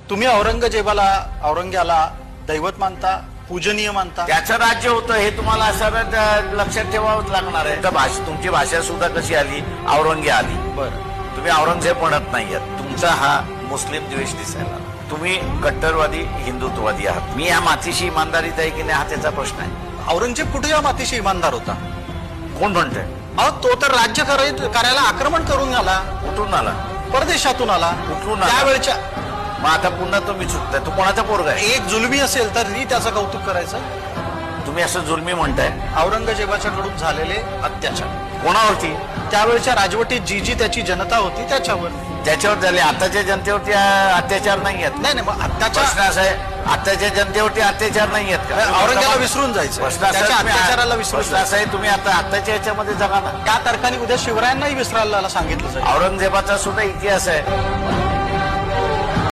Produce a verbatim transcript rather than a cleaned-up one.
तुम्ही औरंगजेबाला औरंग्याला दैवत मानता, पूजनीय मानता? त्याचं राज्य होतं हे तुम्हाला सरळ लक्षात ठेवावंच लागणार आहे. तर भाषा तुमची भाषा सुद्धा कशी आली, औरंग्या आली. बरं, तुम्ही औरंगजेब म्हणत नाहीयेत. तुमचा हा मुस्लिम द्वेष दिसायला, तुम्ही कट्टरवादी हिंदुत्ववादी आहात. मी या मातीशी इमानदारीत आहे की नाही हा त्याचा प्रश्न आहे. औरंगजेब कुठे या मातीशी इमानदार होता? कोण म्हणतंय? अहो, तो तर राज्य कराय- करायला आक्रमण करून आला, कुठून आला? परदेशातून आला. कुठून आला? त्यावेळच्या मग आता पुन्हा तुम्ही चुकताय. तू कोणाचा पोरगा आहे? एक जुलमी असेल तर मी त्याचं कौतुक करायचं. तुम्ही असं जुलमी म्हणताय. औरंगजेबाच्या कडून झालेले अत्याचार, कोणावरती? त्यावेळच्या राजवटीत जी जी त्याची जनता होती त्याच्यावर. त्याच्यावर झाले. आताच्या जनतेवरती अं, अत्याचार नाही आहेत. नाही नाही, मग प्रश्न अत्याचार असा आहे, आताच्या जनतेवरती अत्याचार नाही आहेत का? औरंग्याला विसरून जायचं, प्रश्न असा त्याच्या आहे, तुम्ही- अत्याचाराला विसरून प्रश्न असा आहे, तुम्ही आता आताच्या याच्यामध्ये जगा ना. त्या तारखांनी उद्या शिवरायांनाही विसरायला सांगितलं जाईल. औरंगजेबाचा सुद्धा इतिहास आहे.